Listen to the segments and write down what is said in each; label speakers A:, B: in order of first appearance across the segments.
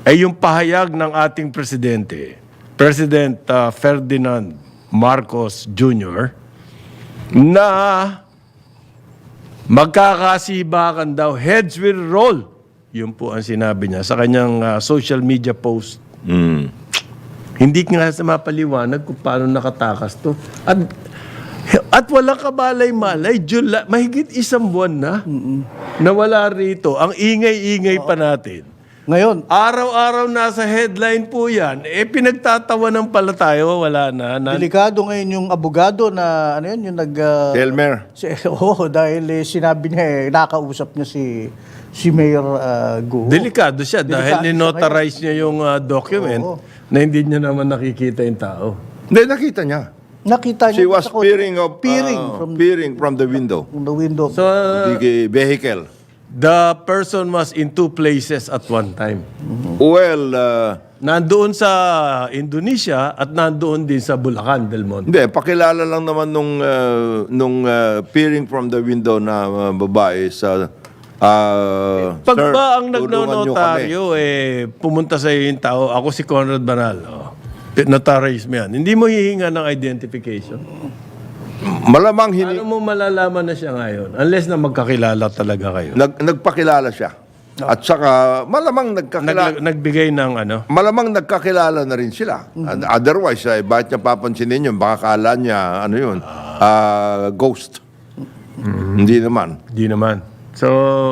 A: ay yung pahayag ng ating presidente, President Ferdinand Marcos Jr., na magkakasibakan daw, heads will roll. Yun po ang sinabi niya sa kanyang social media post. Hindi nga sa mapaliwanag kung paano nakatakas to. At walang kabalay-malay, mahigit isang buwan na wala rito. Ang ingay-ingay pa natin.
B: Ngayon,
A: Araw-araw nasa headline po yan. Pinagtatawanan pala tayo, wala na.
B: delikado ngayon yung abogado na, ano yun, yung
C: Elmer.
B: dahil sinabi niya, nakausap niya si Mayor Guo.
A: Delikado siya dahil
B: Delikado
A: ninotarize niya yung document na hindi niya naman nakikita yung tao.
C: Hindi, nakita niya.
B: Nakita niya.
C: She was peering from the window.
B: From the window.
A: So,
C: The vehicle.
A: the person was in two places at one time.
C: Well,
A: Nandoon sa Indonesia at nandoon din sa Bulacan, Del Monte.
C: hindi, pakilala lang naman nung peering from the window na babae sa
A: Pag
C: "Sir,
A: ba ang
C: tulungan niyo kami."
A: nagnonotaryo, pumunta sa iyo yung tao, ako si Conrad Banal, notarize mo yan. Hindi mo hihinga ng identification.
C: Malamang
A: Ano mo malalaman na siya ngayon? Unless na magkakilala talaga kayo.
C: nagpakilala siya. At saka malamang
A: Nagbigay ng ano?
C: malamang nagkakilala na rin sila. And otherwise, bakit niya papansinin yun? Baka kala niya, ano yun, ghost. Hindi naman.
A: Di naman. So,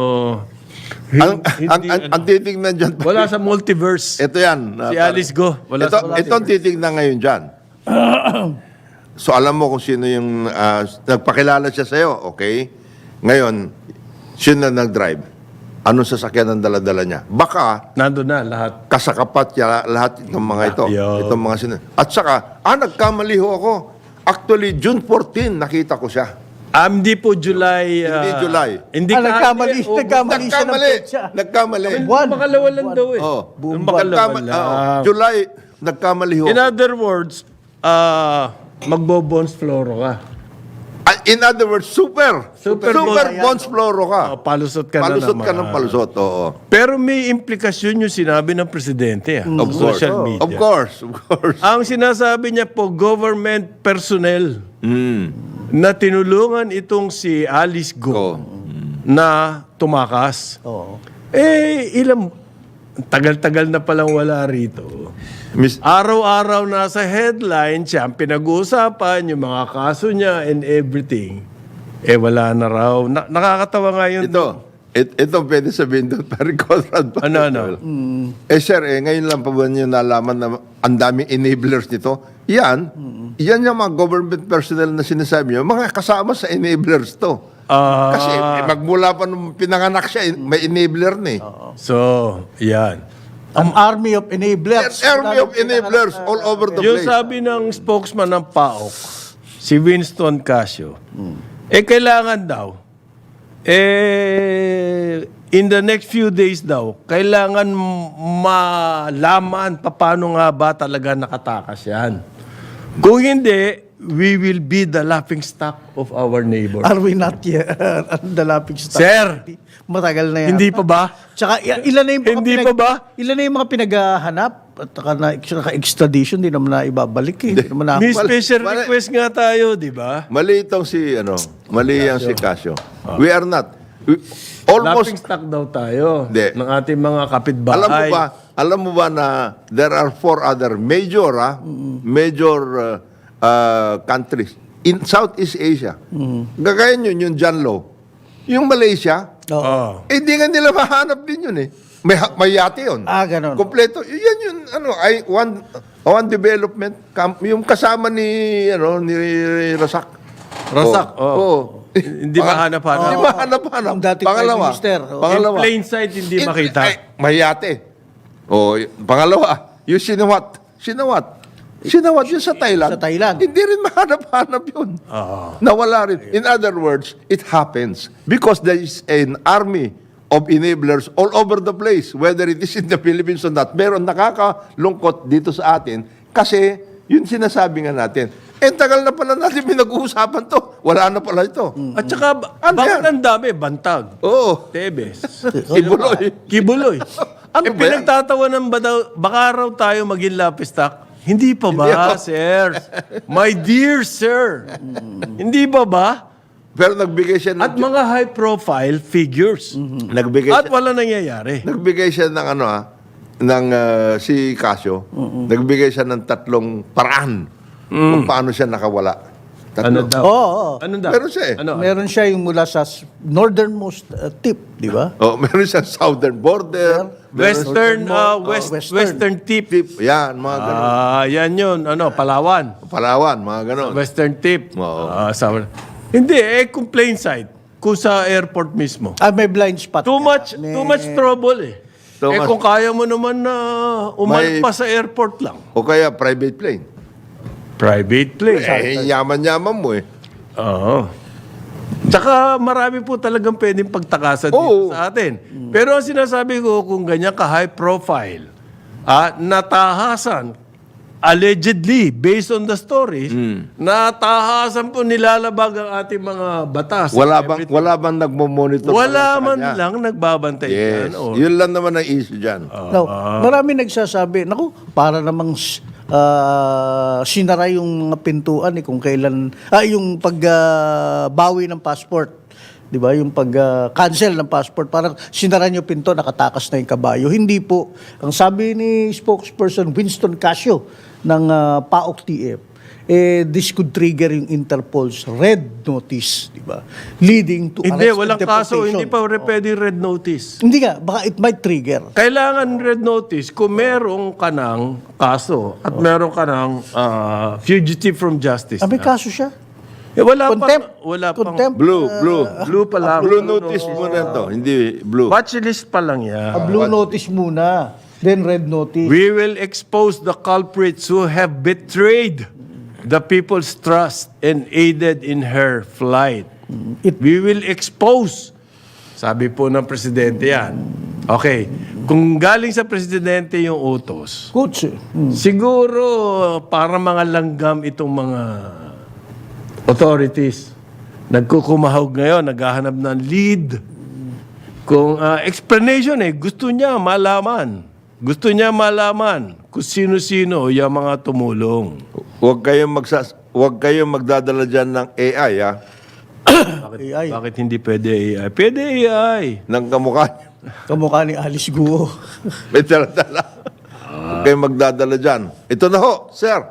C: Ang titignan dyan,
A: wala sa multiverse.
C: ito yan.
A: Si Alice Go. Wala sa
C: Ito ang titignan ngayon dyan. So alam mo kung sino yung nagpakilala siya sa'yo, okay? Ngayon, sino na nag-drive? Anong sasakyan ang dala-dala niya? Baka
A: Nandun na lahat.
C: kasakapat niya lahat itong mga ito.
A: Yo.
C: Itong mga At saka, nagkamali ho ako. Actually, June 14, nakita ko siya.
A: Hindi po July.
C: Hindi July.
A: Hindi
B: nagkamali siya ng
C: Nagkamali.
B: petsa.
C: Nagkamali.
B: Buwan.
A: Makalawa lang daw eh.
C: Oh.
A: Nung makalawa lang.
C: July, nagkamali ho.
A: In other words, magbo-bones floro ka.
C: In other words, super bonds floro ka.
A: Palusot ka na
C: Palusot
A: naman.
C: ka ng palusot, oo.
A: Pero may implikasyon yung sinabi ng presidente
C: Of
A: sa
C: course.
A: social media.
C: Of course.
A: Ang sinasabi niya po, government personnel na tinulungan itong si Alice Go na tumakas.
B: Oo.
A: Tagal-tagal na palang wala rito. Araw-araw nasa headline siya, ang pinag-uusapan, yung mga kaso niya and everything. Wala na raw. Nakakatawa nga yun.
C: Ito pwede sabihin doon, parang Conrad.
A: Ano?
C: Sir, ngayon lang pa ba niyo nalaman na ang daming enablers nito? Yan yung mga government personnel na sinasabi niyo, mga kasama sa enablers to. Kasi magmula pa nung pinanganak siya, may enabler na eh.
A: So, yan.
B: An army of enablers.
C: Army of enablers all over the
A: Yung
C: place.
A: sabi ng spokesman ng PAOK, si Winston Casio, kailangan daw, in the next few days daw, kailangan malaman paano nga ba talaga nakatakas yan. Kung hindi, we will be the laughing stock of our neighbor.
B: Are we not yet? The laughing stock.
A: Sir!
B: Matagal na yan.
A: Hindi pa ba?
B: Tsaka ilan na yung mga
A: Hindi pa ba?
B: Ilan na yung mga pinaghahanap at naka-extradition, di naman na ibabalik eh. Di naman na.
A: May special request nga tayo, di ba?
C: Mali itong mali yung si Casio. We are not.
A: Laughing stock daw tayo
C: Hindi.
A: ng ating mga kapitbahay.
C: Alam mo ba na there are 4 other major countries in Southeast Asia. Gagaya nyo yung Janlo. Yung Malaysia, hindi nga nila mahanap din yun eh. May yate yun.
B: Ganon.
C: Kompleto. Yan yun, one development camp, yung kasama ni Rasak.
A: Rasak,
C: Oo.
A: Hindi mahanap-hanap.
C: Hindi mahanap-hanap.
B: Yung dating Prime Minister.
A: In plain sight, hindi makita.
C: May yate. Pangalawa, yung Sinawat yun sa Thailand.
B: Sa Thailand.
C: Hindi rin mahanap-hanap yun. Nawala rin. In other words, it happens because there is an army of enablers all over the place, whether it is in the Philippines or not. Meron nakakalungkot dito sa atin kasi yun sinasabi nga natin. Tagal na pala natin pinag-uusapan to. Wala na pala ito.
A: At saka, bakit ang dami? Bantag.
C: Oo.
A: Tebes.
C: Kibuloy.
A: Kibuloy.
C: Ano ba yan?
A: pinagtatawanan ba daw, baka raw tayo maging lapistak? Hindi pa ba, sir? My dear sir. Hindi pa ba?
C: Pero nagbigay siya ng...
A: At mga high-profile figures.
C: nagbigay
A: At
C: siya,
A: wala nangyayari.
C: nagbigay siya ng ano si Casio. Nagbigay siya ng 3 paraan kung paano siya nakawala.
A: Ano
C: 3.
A: daw?
B: Oo.
A: Ano daw?
C: Meron siya eh.
A: Ano?
B: Meron siya yung mula sa northernmost tip, di ba?
C: Oh, meron siyang southern border.
A: Western,
B: Western.
A: Western tip.
C: Tip. Yan, mga ganun.
A: Yan yun. Ano, Palawan.
C: Palawan, mga ganun.
A: Western tip.
C: Oo.
A: Hindi, kung plain sight. Kung sa airport mismo.
B: May blind spot.
A: Too
B: ka.
A: much trouble eh.
C: Too much.
A: Kung kaya mo naman na umalpas sa airport lang.
C: O kaya private plane.
A: Private place.
C: Yaman-yaman mo eh.
A: Oo. Tsaka marami po talagang pwedeng pagtakasan
C: Oo.
A: dito sa atin. Pero ang sinasabi ko, kung ganyan ka high profile, natahasan, allegedly, based on the stories, natahasan po nilalabag ang ating mga batas.
C: Wala bang nagmo-monitor?
A: Wala
C: sa
A: man
C: kanya?
A: lang nagbabantay
C: Yes.
A: yan. O,
C: Yun lang naman ang issue dyan.
B: Now, marami nagsasabi, naku, para namang sinara yung mga pintuan kung kailan, yung pagbawi ng passport. Di ba? Yung pag-cancel ng passport, parang sinara nyo pinto, nakatakas na yung kabayo. Hindi po. Ang sabi ni spokesperson Winston Casio ng PAOK TF, this could trigger yung Interpol's red notice, di ba? Leading to
A: hindi,
B: arrest and
A: walang kaso.
B: deportation.
A: Hindi pa pwedeng red notice.
B: Hindi nga, baka it might trigger.
A: Kailangan red notice kung merong ka ng kaso at meron ka ng fugitive from justice.
B: May
A: na.
B: kaso siya?
A: Wala
B: Contempt.
A: wala pang
B: Contempt.
A: blue pa lang.
C: Blue notice muna to, hindi blue.
A: Watchlist pa lang yan.
B: Blue notice muna, then red notice.
A: We will expose the culprits who have betrayed the people's trust and aided in her flight. We will expose. Sabi po ng presidente yan. Okay. Kung galing sa presidente yung utos,
B: Kutsi.
A: siguro para mga langgam itong mga authorities. Nagkukumahog ngayon, naghahanap ng lead. Kung explanation gusto niya malaman. Gusto niya malaman kung sino-sino yung mga tumulong.
C: Huwag kayong magdadala dyan ng AI, ha?
B: AI.
A: Bakit hindi pwede AI? Pwede AI.
C: Ng kamukha niyo.
B: Kamukha ni Alice Guo.
C: May dala-dala. Huwag kayong magdadala dyan. Ito na ho, sir.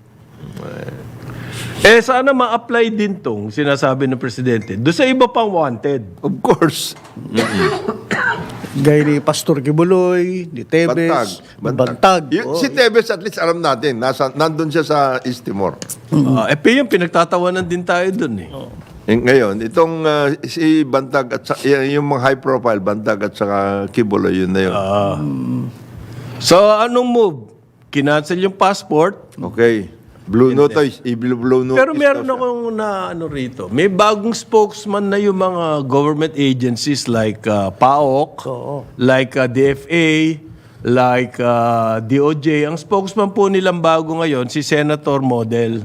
A: Sana ma-apply din tong sinasabi ng presidente doon sa iba pang wanted.
C: Of course.
B: Gaya ni Pastor Kibuloy, ni Tebes, Bantag.
C: Si Tebes at least alam natin, nandun siya sa East Timor.
A: Yung pinagtatawanan din tayo doon eh.
C: Ngayon, itong si Bantag at yung mga high profile, Bantag at saka Kibuloy, yun na yun.
A: So anong move? Kinancel yung passport.
C: Okay. Blue notice. Blue notice.
A: Pero meron
C: daw siya.
A: akong rito. May bagong spokesman na yung mga government agencies like PAOK, like DFA, like DOJ. Ang spokesman po nilang bago ngayon, si Senator Model.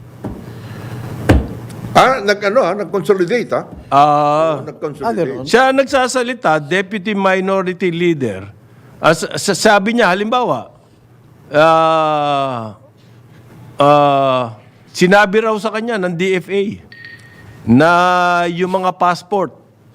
C: Nag-consolidate, ha? Nag-consolidate.
A: Siya nagsasalita, Deputy Minority Leader. Sabi niya, halimbawa, sinabi raw sa kanya ng DFA na yung mga passport,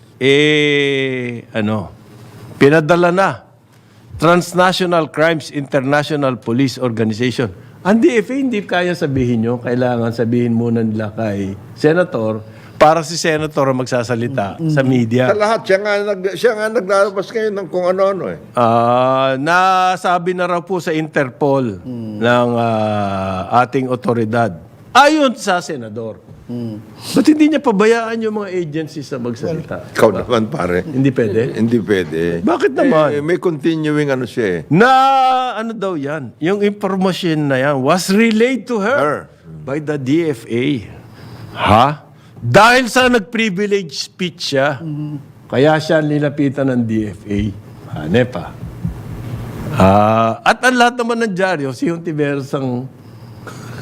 A: pinadala na. Transnational Crimes International Police Organization. Ang DFA, hindi kaya sabihin nyo. Kailangan sabihin muna nila kay Senator para si Senator ang magsasalita sa media.
C: Sa lahat, siya nga naglalabas ngayon ng kung ano-ano eh.
A: Nasabi na raw po sa Interpol ng ating otoridad. Ayon sa Senador. Ba't hindi niya pabayaan yung mga agencies na magsalita?
C: Ikaw naman, pare.
A: Hindi pwede?
C: Hindi pwede.
A: Bakit naman?
C: May continuing ano siya eh.
A: Na ano daw yan? Yung information na yan was relayed to her by the DFA. Ha? Dahil sa nag-privilege speech siya, kaya siya nilapitan ng DFA. Hanep At ang lahat naman ng dyaryo, si Hontiveros ang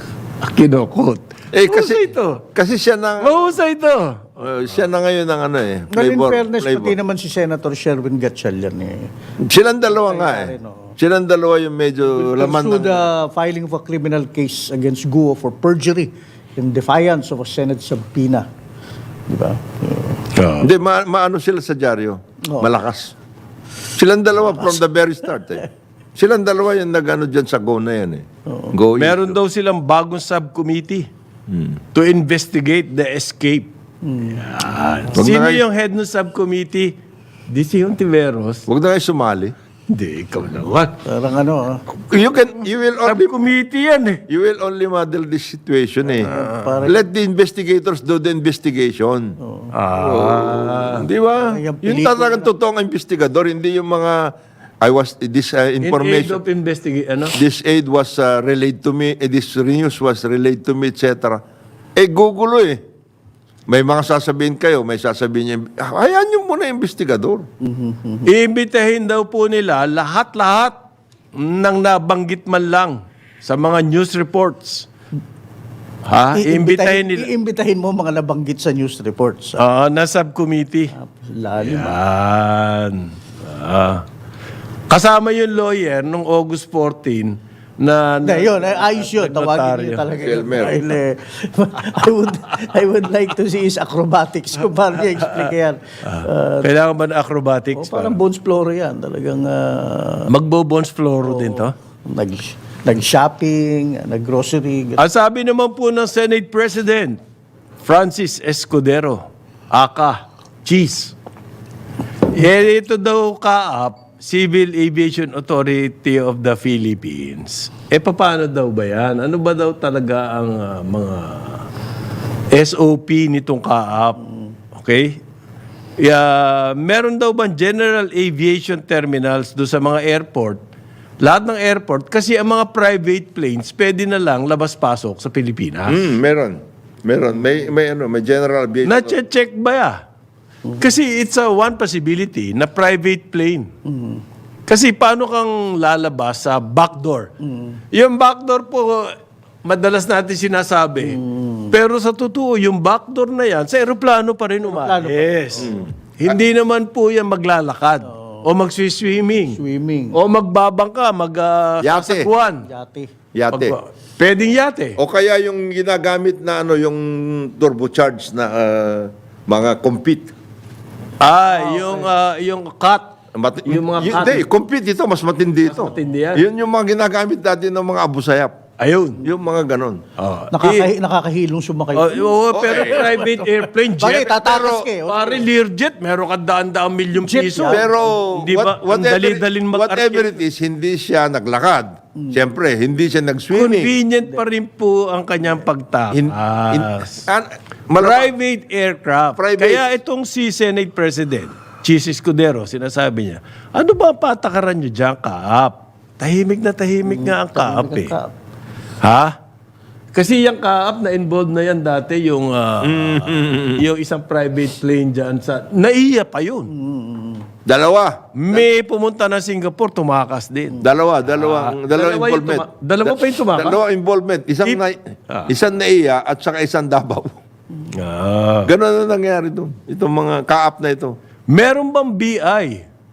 A: Kinokot.
C: Kasi siya na,
A: Mahusay ito.
C: siya na ngayon ang ano eh.
B: Well, in
C: Flavor,
B: fairness,
C: flavor.
B: pati naman si Senator Sherwin Gatchalian eh.
C: Silang dalawa nga eh. Silang dalawa yung medyo laman
B: Pursued
C: ng...
B: the filing of a criminal case against Guo for perjury in defiance of a Senate subpoena. Di ba?
C: Hindi, maano sila sa dyaryo. Malakas. Silang dalawa from the very start eh. Silang dalawa yung nag-ano dyan sa Go na yan eh. Go
A: Meron daw silang bagong subcommittee to investigate the escape. Yan.
C: Wag
A: Sino
C: na kayo-
A: yung head ng subcommittee? Di si Hontiveros.
C: Huwag na kayo sumali.
A: Hindi, ikaw naman.
B: Parang ano,
C: You will only...
A: Subcommittee yan eh.
C: You will only model this situation eh.
B: parang-
C: Let the investigators do the investigation. Di ba?
B: Yung
C: Yung
B: pelikula.
C: talagang totoong investigador, hindi yung mga this
A: In aid
C: information,
A: of investigation, ano?
C: this aid was relayed to me, this news was relayed to me, etc. Gugulo eh. May mga sasabihin kayo, may sasabihin niya, hayaan niyo muna yung investigador.
A: Iimbitahin daw po nila lahat-lahat ng nabanggit man lang sa mga news reports. Iimbitahin nila.
B: Iimbitahin mo mga nabanggit sa news reports.
A: Na subcommittee.
B: Lalim.
A: Yan. Kasama yung lawyer nung August 14 na...
B: Hindi, yun. Ayos yun. Tawagin niyo talaga yun.
C: Elmer.
B: Dahil, I would like to see his acrobatics kung paano niya explain yan.
A: Kailangan ba na acrobatics?
B: Parang Bones Floro yan. Talagang
A: Magbo-bones floro din to?
B: nag-shopping, nag-grocery.
A: Ang sabi naman po ng Senate President, Francis Escudero, aka Cheese. Ito daw kaap, Civil Aviation Authority of the Philippines. Paano daw ba yan? Ano ba daw talaga ang mga SOP nitong kaap? Okay? Meron daw bang general aviation terminals do sa mga airport? Lahat ng airport, kasi ang mga private planes, pwede na lang labas-pasok sa Pilipinas.
C: Meron. May general aviation.
A: Na-check ba ya? Kasi it's one possibility na private plane. Kasi paano kang lalabas sa backdoor? Yung backdoor po, madalas natin sinasabi. Pero sa totoo, yung backdoor na yan, sa aeroplano pa rin umalis. Hindi naman po yan maglalakad. O mag-swimming.
B: Swimming.
A: O magbabangka,
C: Yate.
A: mag-sasakwan.
C: Yate.
A: Pwedeng yate.
C: O kaya yung ginagamit na yung turbocharged na mga compete.
A: Yung cut. Yung mga cut.
C: Hindi, compete ito, mas matindi ito.
A: matindi yan.
C: Yun yung mga ginagamit dati ng mga Abu Sayyaf.
A: Ayun.
C: Yung mga ganon.
B: Nakakahilong sumakay.
A: Pero private airplane, jet.
B: Bakit? Tatakas kayo.
A: Pare, Learjet, meron ka daan-daang milyong
B: Jet
A: piso.
B: yan.
C: Pero
A: Hindi ba, ang dali-daling
C: whatever it is, hindi siya naglakad. Siyempre, hindi siya nag-swimming.
A: Convenient pa rin po ang kanyang pagtakas. Private aircraft.
C: Private.
A: Kaya itong si Senate President, Cheese Escudero, sinasabi niya, ano ba ang patakaran niyo dyan, Kaap? Tahimik nga ang Kaap eh. Ha? Kasi yung Kaap na involved na yan dati, yung isang private plane dyan sa... Naiya pa yun.
C: Dalawa.
A: May pumunta na Singapore, tumakas din.
C: Dalawang involvement.
A: Dalawa pa yung tumakas?
C: Dalawang involvement. Isang naiya at saka isang Davao. Ganon na nangyari doon. Itong mga kaap na ito.
A: Meron bang BI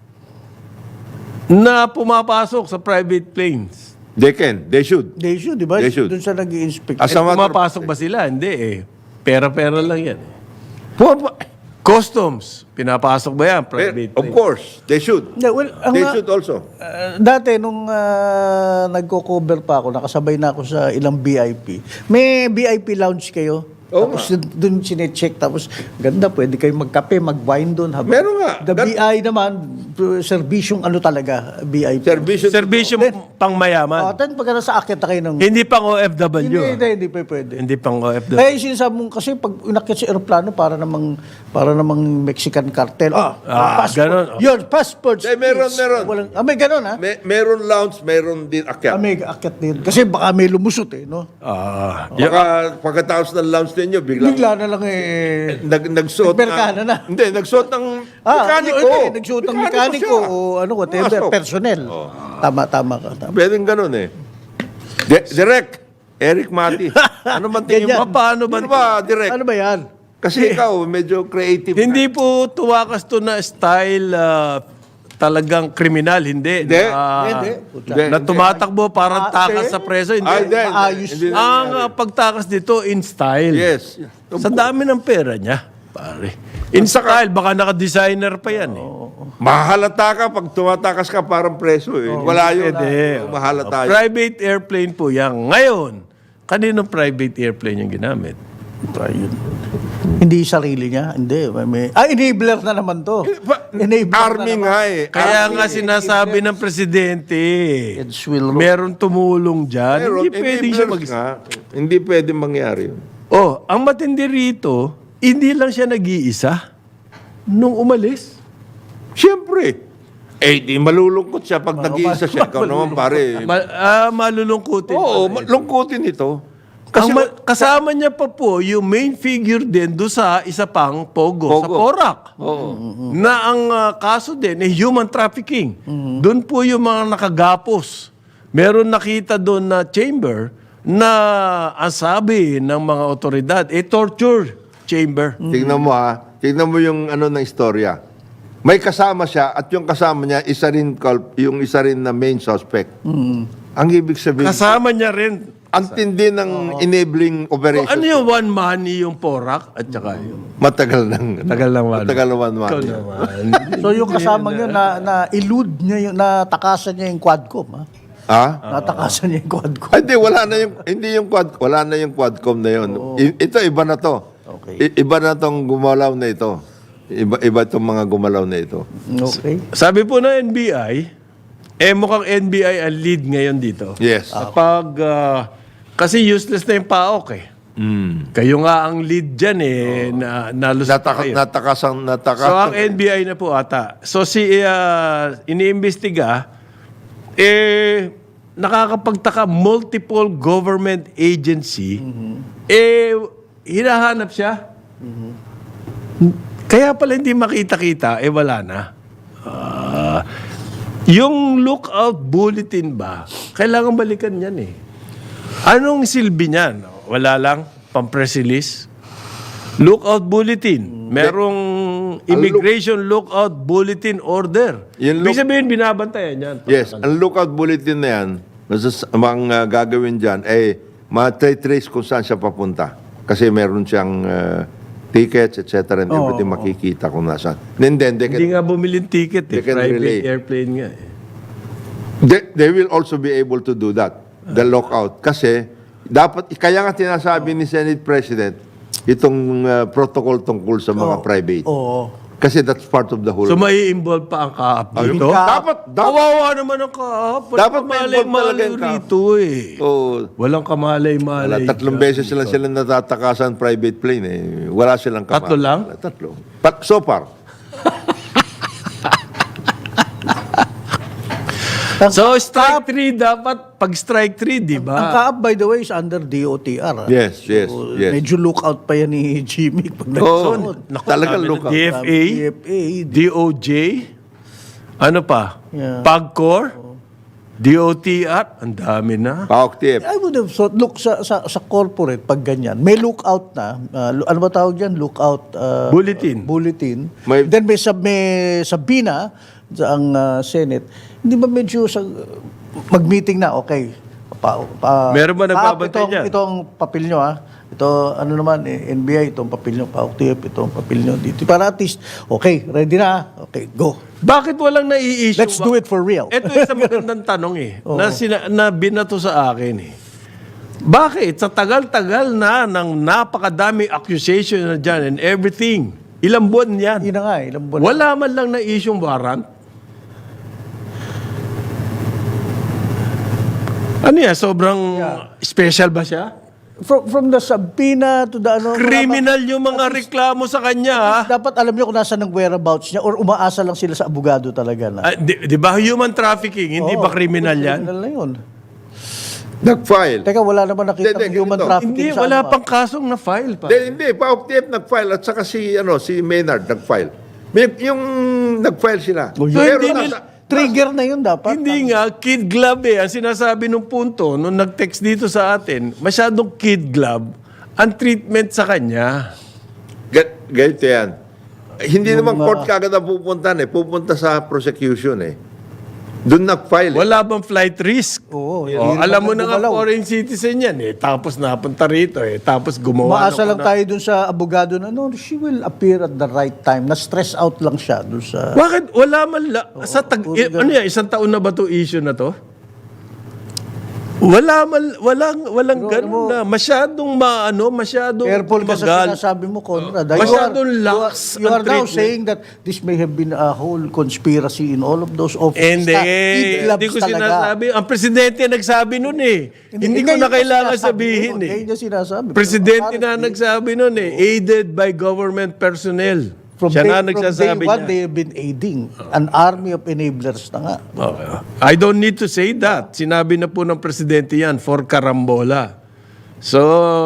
A: na pumapasok sa private planes?
C: They can. They should.
B: They should, di ba?
C: They should.
B: Doon sa nag-i-inspect.
C: As a matter of-
A: Pumapasok ba sila? Hindi eh. Pera-pera lang yan. Customs, pinapasok ba yan? Private
C: Of
A: plane?
C: course. They should.
B: Yeah, well,
C: They should also.
B: Dati, nung nagko-cover pa ako, nakasabay na ako sa ilang VIP. May VIP lounge kayo?
C: Oo
B: Tapos doon sinecheck. Tapos, ganda, pwede kayo magkape, mag-wine doon.
C: Meron nga.
B: The BI naman, serbisyong ano talaga, VIP.
A: Servisyo pang mayaman.
B: Then pagka nasa akyat na kayo ng...
A: Hindi pang OFW.
B: Hindi pa pwede.
A: Hindi pang OFW.
B: Kaya yung sinasabi mong, kasi pag inakyat sa aeroplano, para namang Mexican cartel.
A: ganun.
B: Your passports,
C: Meron.
B: Walang, may ganun, ha?
C: Meron lounge, meron din akyat.
B: May akyat din. Kasi baka may lumusot, no?
C: Pagkatapos ng lounge ninyo,
B: Bigla na lang
C: nagsuot
B: Nagmerkana na.
C: Hindi, nagsuot ng mekaniko.
B: Nagsuot ng mekaniko o whatever,
C: Pumasok.
B: personnel. Tama ka.
C: Pwedeng ganun eh. Direct. Eric Mati. Ano man tingin mo?
B: Ganyan.
A: Paano ba?
C: Ano ba, direct?
B: Ano ba yan?
C: Kasi ikaw, medyo creative.
A: Hindi po tuwakas to na style talagang kriminal, hindi.
C: Hindi.
B: Hindi.
C: Hindi.
A: Na tumatakbo parang takas
B: hindi.
A: sa preso, hindi.
C: Ay, hindi.
B: Maayos
C: Hindi.
A: Ang pagtakas dito in style.
C: Yes.
A: Sa dami ng pera niya, pare. In style, baka naka-designer pa yan eh.
C: Mahalata ka pag tumatakas ka parang preso eh. Wala yun.
A: Pwede.
C: Mahalata yun.
A: Private airplane po yan. Ngayon, kaninong private airplane yung ginamit?
B: Yun. Hindi sarili niya. Hindi. Enabler na naman to. Enabler
C: Army
B: na naman.
C: nga eh.
A: Kaya nga sinasabi ng presidente,
B: Heads will roll.
A: meron tumulong dyan.
C: Pero
A: Hindi pwedeng siya
C: enablers nga, hindi pwede mangyari yun.
A: Oh, ang matindi rito, hindi lang siya nag-iisa nung umalis.
C: Siyempre. Eh, di malulungkot siya pag nag-iisa siya. Ikaw naman pare.
A: Malulungkutin.
C: Oo, lungkutin ito. Kasi
A: Kasama niya pa po yung main figure din do sa isa pang Pogo. Sa
C: Pogo.
A: Porac.
C: Oo.
A: Na ang kaso din ay human trafficking. Doon po yung mga nakagapos. Meron nakita doon na chamber na ang sabi ng mga otoridad, torture chamber.
C: Tingnan mo ha. Tingnan mo yung ano ng istorya. May kasama siya at yung kasama niya yung isa rin na main suspect. Ang ibig sabihin,
A: Kasama niya rin.
C: ang tindi ng enabling operation.
A: Ano yung one money yung Porac at saka yung
C: Matagal nang
A: tagal lang one.
C: Matagal naman.
A: Ikaw naman.
B: So yung kasama niya na elude niya yung natakasan niya yung quadcom, ha?
C: Ha?
B: Natakasan niya yung quadcom.
C: Ay, wala na yung quadcom na yun. Ito iba na to.
B: Okay.
C: Iba na tong gumalaw na ito. Iba itong mga gumalaw na ito.
B: Okay.
A: Sabi po ng NBI, mukhang NBI ang lead ngayon dito.
C: Yes.
A: Kapag, kasi useless na yung PAOK eh. Kayo nga ang lead dyan eh, nalusot na kayo.
C: Natakasan.
A: So ang NBI na po ata. So iniimbestiga, nakakapagtaka multiple government agency, hinahanap siya. Kaya pala hindi makita-kita, wala na. Yung lookout bulletin ba, kailangan balikan yan eh. Anong silbi niyan? Wala lang, pang-press release. Lookout bulletin. Merong immigration lookout bulletin order.
C: Yung
A: Ibig sabihin, binabantayan yan.
C: Yes, ang lookout bulletin na yan, ang gagawin dyan, ma-trace kung saan siya papunta. Kasi meron siyang tickets, etc. and everything makikita kung nasaan.
A: Hindi nga bumili ng ticket eh.
C: they can
A: Private
C: relay.
A: airplane nga eh.
C: They will also be able to do that, the lookout. Kasi, kaya nga tinasabi ni Senate President, itong protocol tungkol sa mga private.
B: Oo.
C: Kasi that's part of the whole.
A: So may involve pa ang kaap dito?
C: Dapat,
A: Kawawa naman ang kaap.
C: Dapat may involve talaga yung kaap.
A: Rito eh.
C: oh,
A: Walang kamalay-malay.
C: tatlong beses sila natatakasan private plane eh. Wala silang kamay.
A: Tatlo lang?
C: Tatlo. So far.
A: So strike 3 dapat, pag strike 3, di
B: Ang
A: ba?
B: kaap, by the way, is under DOTR. ha?
C: Yes, yes,
B: So,
C: yes.
B: Medyo lookout pa yan ni Jimmy pag
C: Oo.
B: nagsuot.
A: Naku,
C: Talagang
A: sabi ng
C: lookout.
A: DFA,
B: DFA,
A: DOJ, ano pa?
B: Yeah.
A: PAGCOR, DOTR, ang dami na.
C: Paok-tip.
B: I would have thought, look, sa corporate, pag ganyan, may lookout na, ano ba tawag dyan? Lookout
A: Bulletin.
B: bulletin.
C: May-
B: Then may sabi na sa ang Senate, hindi ba medyo mag-meeting na, okay.
A: Meron ba nagbabantay dyan?
B: Itong papel nyo, ha? Ito, ano naman, NBI, itong papel nyo, PAOK-TIP, itong papel nyo dito. Para at least, okay, ready na, okay, go.
A: Bakit walang nai-issue?
B: Let's do it for real.
A: Ito isang magandang tanong eh, na binato sa akin eh. Bakit? Sa tagal-tagal na ng napakadami accusation na dyan and everything, ilang buwan yan?
B: Yun na nga, ilang buwan.
A: Wala man lang na-issue warrant? Ano yan? Sobrang special ba siya?
B: From the subpoena to the ano.
A: Criminal yung mga reklamo sa kanya, ha?
B: Dapat alam niyo kung nasa ng whereabouts niya or umaasa lang sila sa abogado talaga na.
A: Di ba human trafficking? Hindi ba criminal yan?
B: Criminal na yun.
C: Nag-file.
B: Teka, wala naman nakita
C: Hindi,
B: ng human
C: ganito.
B: trafficking
A: Hindi,
B: sa
A: wala
B: ano,
A: pang kasong na-file pa.
C: Hindi, PAOK-tip nag-file at saka si Maynard nag-file. Yung nag-file sila.
B: Oh,
A: So,
C: Pero
A: hindi
B: Trigger na yun dapat.
A: Hindi nga, kid glove eh. Ang sinasabi nung punto, nung nag-text dito sa atin, masyadong kid glove ang treatment sa kanya.
C: Ganito yan. Hindi naman court kagad ang pupunta pupunta sa prosecution Doon nag-file
A: Wala bang flight risk?
B: Oo.
A: Alam mo na nga
B: gumalaw.
A: foreign citizen yan Tapos napunta rito Tapos gumawa
B: Maasa lang tayo dun sa abogado na, no, she will appear at the right time. Na-stress out lang siya dun sa...
A: Bakit? Wala man sa ano yan? Isang taon na ba to issue na to? Walang ganun na. Masyadong masyadong
B: Careful ka sa
A: magal.
B: sinasabi mo, Conrad.
A: Masyadong lax
B: You
A: ang
B: are now
A: treatment.
B: saying that this may have been a whole conspiracy in all of those offices.
A: Hindi ko sinasabi. Ang presidente nagsabi nun Hindi ko na kailangan sabihin
B: Ngayon niya sinasabi.
A: Presidente na nagsabi nun aided by government personnel. Siya na nagsasabi
B: from day one,
A: niya.
B: they have been aiding an army of enablers na nga.
A: I don't need to say that. Sinabi na po ng presidente yan for karambola. So,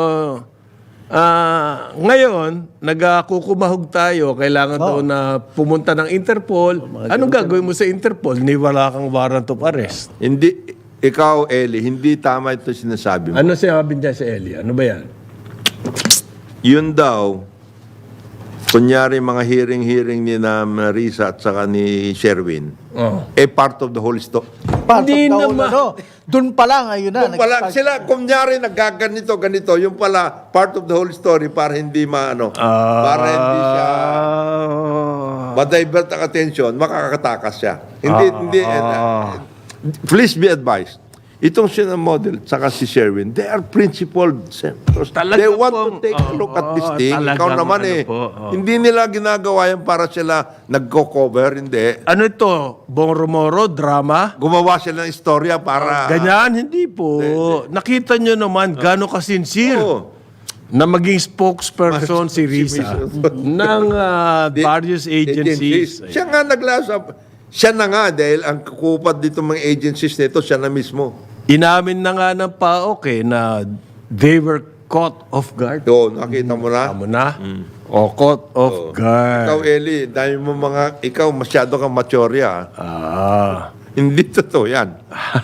A: ngayon, nagkukumahog tayo. Kailangan daw na pumunta ng Interpol. Anong gagawin mo sa Interpol? Ni wala kang warrant of arrest.
C: Hindi, ikaw, Eli, hindi tama ito sinasabi mo.
A: Ano sinabi niya sa Eli? Ano ba yan?
C: Yun daw, kunyari mga hearing ni na Marisa at saka ni Sherwin, part of the whole story.
A: Hindi naman.
B: Doon pa lang, ayun na.
C: Yung pala, sila, kunyari, ganito, yung pala, part of the whole story para hindi para hindi siya ma-divert ang attention, makakatakas siya. Hindi, please be advised. Itong sina model, saka si Sherwin, they are principled senators. They want to take a look at this thing. Ikaw naman hindi nila ginagawa yan para sila nagko-cover, hindi.
A: Ano ito? Bong-romoro? Drama?
C: Gumawa sila ng istorya para...
A: Ganyan? Hindi po. Nakita nyo naman gano'ng kasincere.
C: Oo.
A: Na maging spokesperson si Risa ng various agencies.
C: Siya nga naglasap. Siya na nga dahil ang kupad dito mga agencies nito, siya na mismo.
A: Inamin na nga ng PAOK na they were caught off guard.
C: Doon, nakita mo na.
A: Tama na? O caught off guard.
C: Ikaw, Eli, dahil mo ikaw masyado kang maturya. Hindi totoo yan.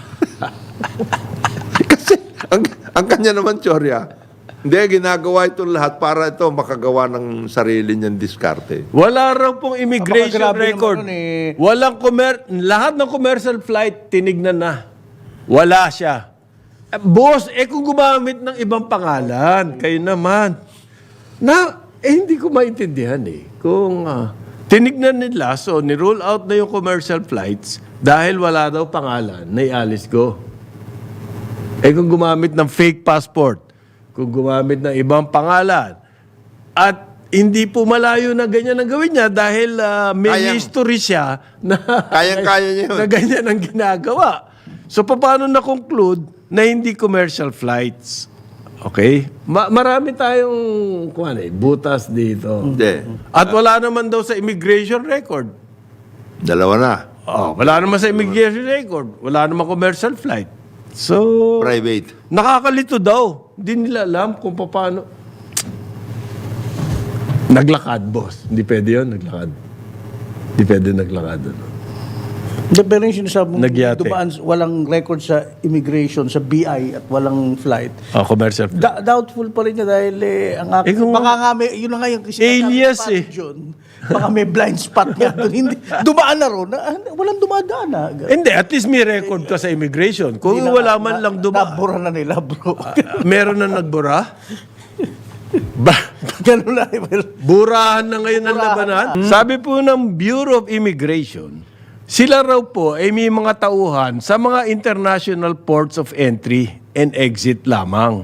C: Kasi, ang kanya naman, Chorya, hindi, ginagawa ito lahat para ito makagawa ng sarili niyang diskarte.
A: Wala raw pong immigration
B: Napakagrabe
A: record.
B: naman nun
A: Walang lahat ng commercial flight tinignan na. Wala siya. Boss, kung gumamit ng ibang pangalan, kayo naman. Hindi ko maintindihan Kung tinignan nila, so ni-roll out na yung commercial flights dahil wala daw pangalan, naialis ko. Kung gumamit ng fake passport, kung gumamit ng ibang pangalan, at hindi po malayo na ganyan ang gawin niya dahil may history siya na
C: Kayang-kaya niya yun.
A: na ganyan ang ginagawa. So, paano na-conclude na hindi commercial flights? Okay? Marami tayong butas dito.
C: Hindi.
A: At wala naman daw sa immigration record.
C: Dalawa na.
A: Wala naman sa immigration record. Wala naman commercial flight. So,
C: Private.
A: nakakalito daw. Hindi nila alam kung paano. Naglakad, boss. Hindi pwede yun, naglakad. Hindi pwede naglakad.
B: Pero yung sinasabi mo,
A: Nagyate.
B: dumaan, walang record sa immigration, sa BI, at walang flight.
A: Commercial flight.
B: Doubtful pa rin niya dahil ang
A: kung-
B: baka nga may, yun na nga yung
A: Alias,
B: John. Baka may blind spot nga doon. Hindi, dumaan na ron. Walang dumadaan
A: Hindi, at least may record ka sa immigration. Kung wala man lang dumaan.
B: Nabura na nila, bro.
A: Meron na nagbura?
B: Ganun na.
A: Burahan na ngayon ang labanan. Sabi po ng Bureau of Immigration, sila raw po ay may mga tauhan sa mga international ports of entry and exit lamang.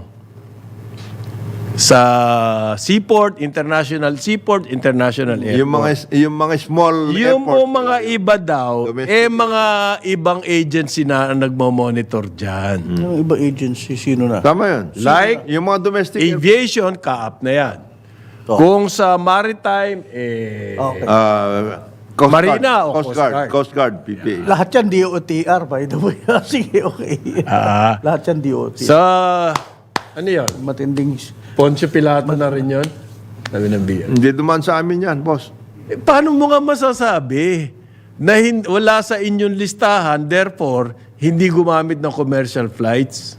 A: Sa seaport, international airport.
C: Yung mga small
A: Yung po
C: airport.
A: mga iba daw,
C: Domestic.
A: mga ibang agency na ang nagmo-monitor dyan.
B: Yung iba agency, sino na?
C: Tama yun.
A: Like,
C: Yung mga domestic airport.
A: aviation, kaap na yan. Kung sa maritime,
B: Okay.
C: Coast
A: Marina o
C: Guard.
A: Coast Guard?
C: Coast Guard, PPA.
B: Lahat yan DOTR, by the way. Sige, okay. Lahat yan DOTR.
A: sa, ano yun?
B: Matinding...
A: Poncio Pilato na rin yun? Sabi ng BL.
C: Hindi duman sa amin yan, boss.
A: Paano mo nga masasabi na wala sa inyong listahan, therefore, hindi gumamit ng commercial flights.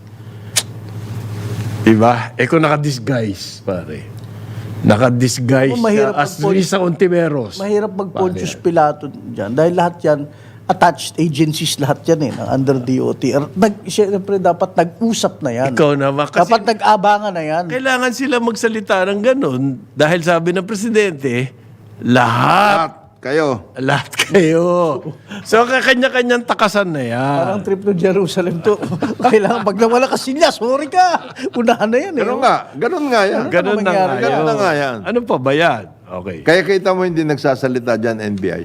A: Diba? Kung naka-disguise, pare. Naka-disguise
B: Mahirap
A: siya as
B: mag-
A: Risa Ontiveros.
B: Mahirap mag-Pontius Pilato dyan dahil lahat yan, attached agencies lahat yan ng under DOTR. Siyempre dapat nag-usap na yan.
A: Ikaw naman. Kasi
B: Dapat nag-abangan na yan.
A: kailangan sila magsalita ng ganun dahil sabi ng presidente, lahat
C: Lahat kayo.
A: kayo. So, kanya-kanyang takasan na yan.
B: Parang trip to Jerusalem to. Kailangan pag nawala ka sinya, sorry ka. Unahan na yan.
C: Ganun nga yan.
A: Ganun na nga
C: Ganun na nga yan.
A: Ano pa ba yan? Okay.
C: Kaya kita mo hindi nagsasalita dyan NBI.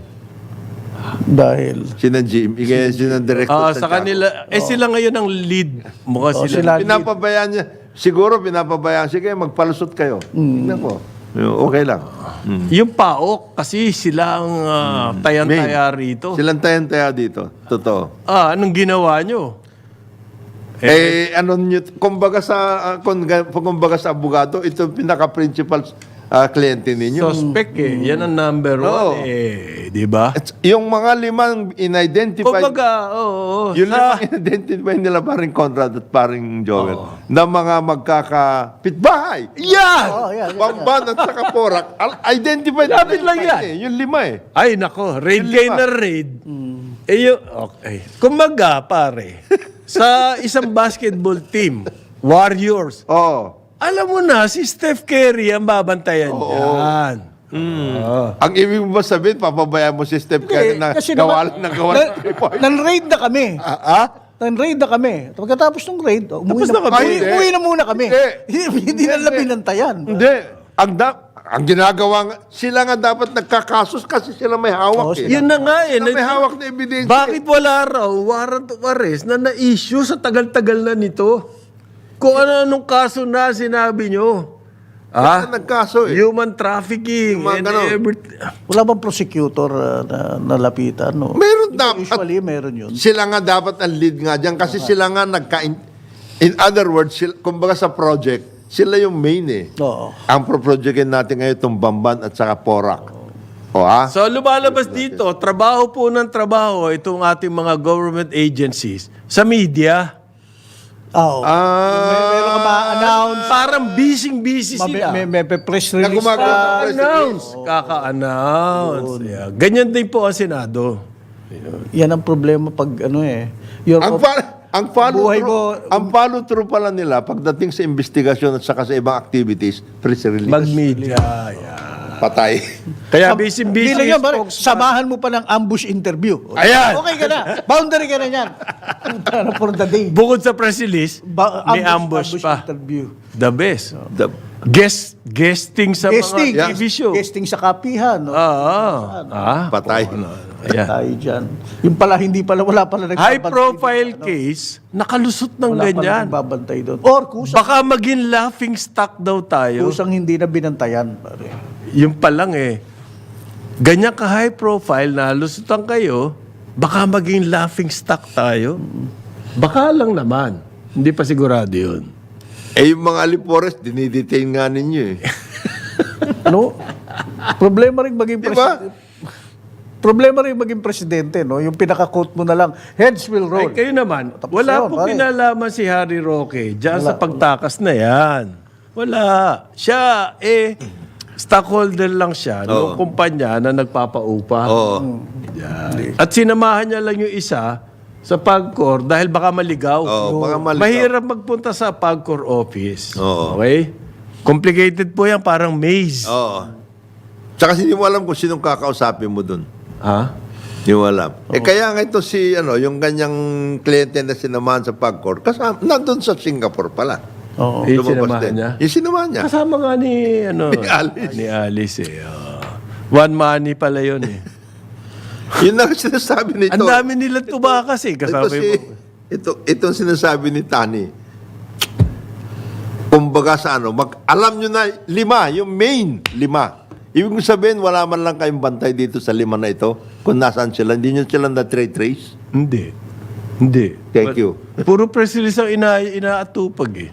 B: Dahil.
C: Sina Jimmy, kaya sina Director
A: Sa kanila, sila ngayon ang lead. Mukha sila.
C: Pinapabayaan niya. Siguro pinapabayaan. Sige, magpalusot kayo. Tingnan ko. Okay lang.
A: Yung PAOK, kasi sila ang tayan-taya rito.
C: Silang tayan-taya dito. Totoo.
A: Anong ginawa nyo?
C: Ano nyo, kumbaga sa abogado, ito yung pinaka-principal kliyente ninyo.
A: Suspect Yan ang number
C: Oo.
A: one di ba?
C: Yung mga limang in-identify,
A: Kumbaga, oo.
C: yung limang in-identify nila paring Conrad at paring Joel, na mga magkakapitbahay.
A: Yan!
B: Yan.
C: Pamban at saka Porak, identified.
A: Lapit lang yan.
C: Yung lima
A: Ay, nako. Raid
C: Yung
A: kayo
C: lima.
A: na raid. Okay. Kumbaga, pare, sa isang basketball team, Warriors,
C: Oo.
A: alam mo na, si Steph Curry ang babantayan yan.
C: Ang ibig mo ba sabihin, papabayaan mo si Steph Curry na
B: Kasi
C: gawalan ng gawalan ng 3 point?
B: Nan-raid na kami. Nan-raid na kami. Pagkatapos ng raid, umuwi
A: Tapos na kami.
B: Umuwi na muna kami.
C: Hindi.
B: Hindi na lang binantayan.
C: Hindi. Ang ginagawa nga, sila nga dapat nagkakasos kasi sila may hawak.
A: Yun na nga
C: Sila may hawak na ebidensya.
A: Bakit wala raw warrant of arrest na na-issue sa tagal-tagal na nito? Kung ano-anong kaso na sinabi nyo.
C: Sila nagkaso
A: Human trafficking
C: Yung mga
A: and
C: ganon.
A: everything.
B: Wala bang prosecutor na nalapitan? No?
C: Meron dapat.
B: Usually, meron yun.
C: Sila nga dapat ang lead nga dyan kasi sila nga in other words, kumbaga sa project, sila yung main
B: Oo.
C: Ang pro-projectin natin ngayon itong Bamban at saka Porak.
A: So lumalabas dito, trabaho po ng trabaho itong ating mga government agencies sa media.
B: Oo. Meron ka ma-announce.
A: Parang busy sila.
B: May press release.
C: gumagawa ng press
A: Announce. Kaka-announce. Yeah. Ganyan din po ang Senado.
B: Yan ang problema pag your
C: Ang follow
B: Buhay
C: through,
B: mo-
C: ang follow through pala nila pagdating sa investigasyon at saka sa ibang activities, press release.
A: Mag-media. Yeah.
C: Patay.
A: Kaya busy
B: Hindi lang yan, pare.
A: spokesman.
B: Samahan mo pa ng ambush interview.
A: Ayan.
B: Okay ka na. Boundary ka na yan. For the day.
A: Bukod sa press release, may ambush pa.
B: Interview.
A: The best.
C: The-
A: Guesting sa
B: Guesting.
A: mga TV show.
B: Guesting sa kapihan. No?
C: Patay.
A: Ayan.
B: Tayo dyan. Yung pala, wala pala
A: High
B: nagbabantay.
A: profile case, nakalusot ng
B: Wala pala
A: ganyan.
B: nagbabantay doon. Or kusang,
A: Baka maging laughing stock daw tayo.
B: kusang hindi na binantayan. Pare.
A: Yung pa lang ganyan ka high profile na lusutan kayo, baka maging laughing stock tayo. Baka lang naman. Hindi pa sigurado yun.
C: Yung mga alipores, dinidetain nga ninyo
B: Ano? Problema rin maging
C: Diba?
B: presidente. Problema rin maging presidente, no? Yung pinaka-quote mo na lang, heads will roll.
A: Ay, kayo naman,
B: Tapos
A: wala
B: yun,
A: po
B: pare.
A: kinalaman si Harry Roque dyan sa pagtakas na yan. Wala. Siya, stockholder lang siya ng kumpanya na nagpapaupa. Yan. At sinamahan niya lang yung isa sa PAGCOR dahil baka maligaw.
C: baka maligaw.
A: Mahirap magpunta sa PAGCOR office.
C: Oo.
A: Okay? Complicated po yan, parang maze.
C: Oo. Tsaka hindi mo alam kung sinong kakausapin mo dun.
A: Ha?
C: Hindi mo alam. Kaya nga ito yung ganyang kliyente na sinamahan sa PAGCOR, kasama, nandun sa Singapore pala.
B: Oo.
A: Yung
C: Lumabas
A: sinamahan
C: din.
A: niya?
C: Yung sinamahan niya.
A: Kasama nga ni
C: Alice.
A: Ni Alice One money pala yun
C: Yun ang sinasabi nito.
A: Ang dami nila tumakas kasama
C: Itong sinasabi ni Tani. Kumbaga sa alam nyo na 5, yung main 5. Ibig sabihin, wala man lang kayong bantay dito sa 5 na ito. Kung nasaan sila, hindi nyo sila na-trace.
A: Hindi.
C: Thank you.
A: Puro press release ang inaatupag